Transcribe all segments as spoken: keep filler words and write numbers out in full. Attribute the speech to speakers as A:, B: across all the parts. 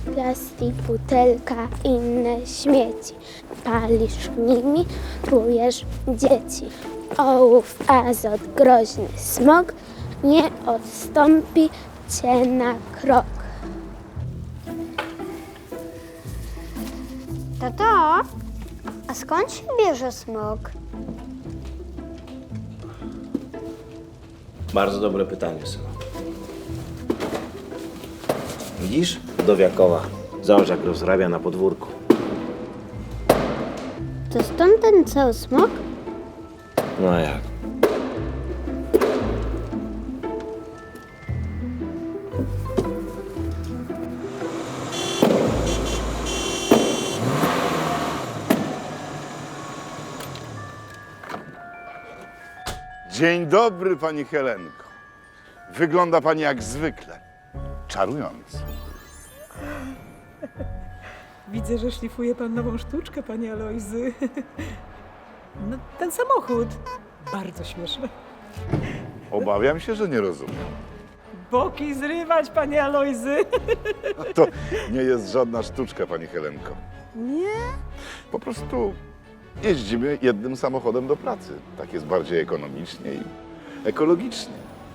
A: Plastik, butelka, inne śmieci. Palisz nimi, trujesz dzieci. Ołów, azot, groźny smog nie odstąpi cię na krok.
B: Tato, a skąd się bierze smog?
C: Bardzo dobre pytanie, synu. Widzisz? Dowiakowa. Zobacz, jak rozrabia na podwórku.
B: To stąd ten cały smog?
C: No a jak?
D: Dzień dobry, pani Helenko. Wygląda pani jak zwykle. Czarująco.
E: Widzę, że szlifuje pan nową sztuczkę, panie Alojzy. No, ten samochód. Bardzo śmieszny.
D: Obawiam się, że nie rozumiem.
E: Boki zrywać, panie Alojzy.
D: To nie jest żadna sztuczka, pani Helenko.
E: Nie?
D: Po prostu jeździmy jednym samochodem do pracy. Tak jest bardziej ekonomicznie i ekologicznie.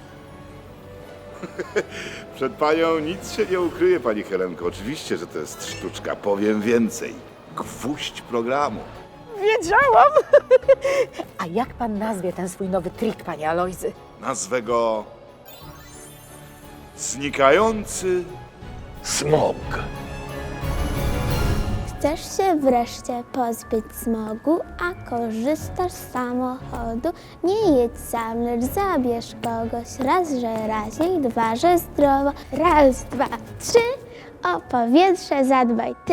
D: Przed panią nic się nie ukryje, pani Helenko. Oczywiście, że to jest sztuczka. Powiem więcej. Gwóźdź programu.
E: Wiedziałam. A jak pan nazwie ten swój nowy trik, panie Alojzy?
D: Nazwę go Znikający Smog.
A: Chcesz się wreszcie pozbyć smogu, a korzystasz z samochodu? Nie jedź sam, lecz zabierz kogoś. Raz, że raźniej, dwa, że zdrowo. Raz, dwa, trzy, o powietrze zadbaj ty.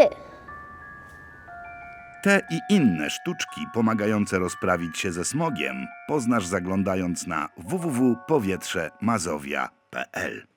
F: Te i inne sztuczki pomagające rozprawić się ze smogiem poznasz zaglądając na w w w kropka powietrze mazowia kropka p l.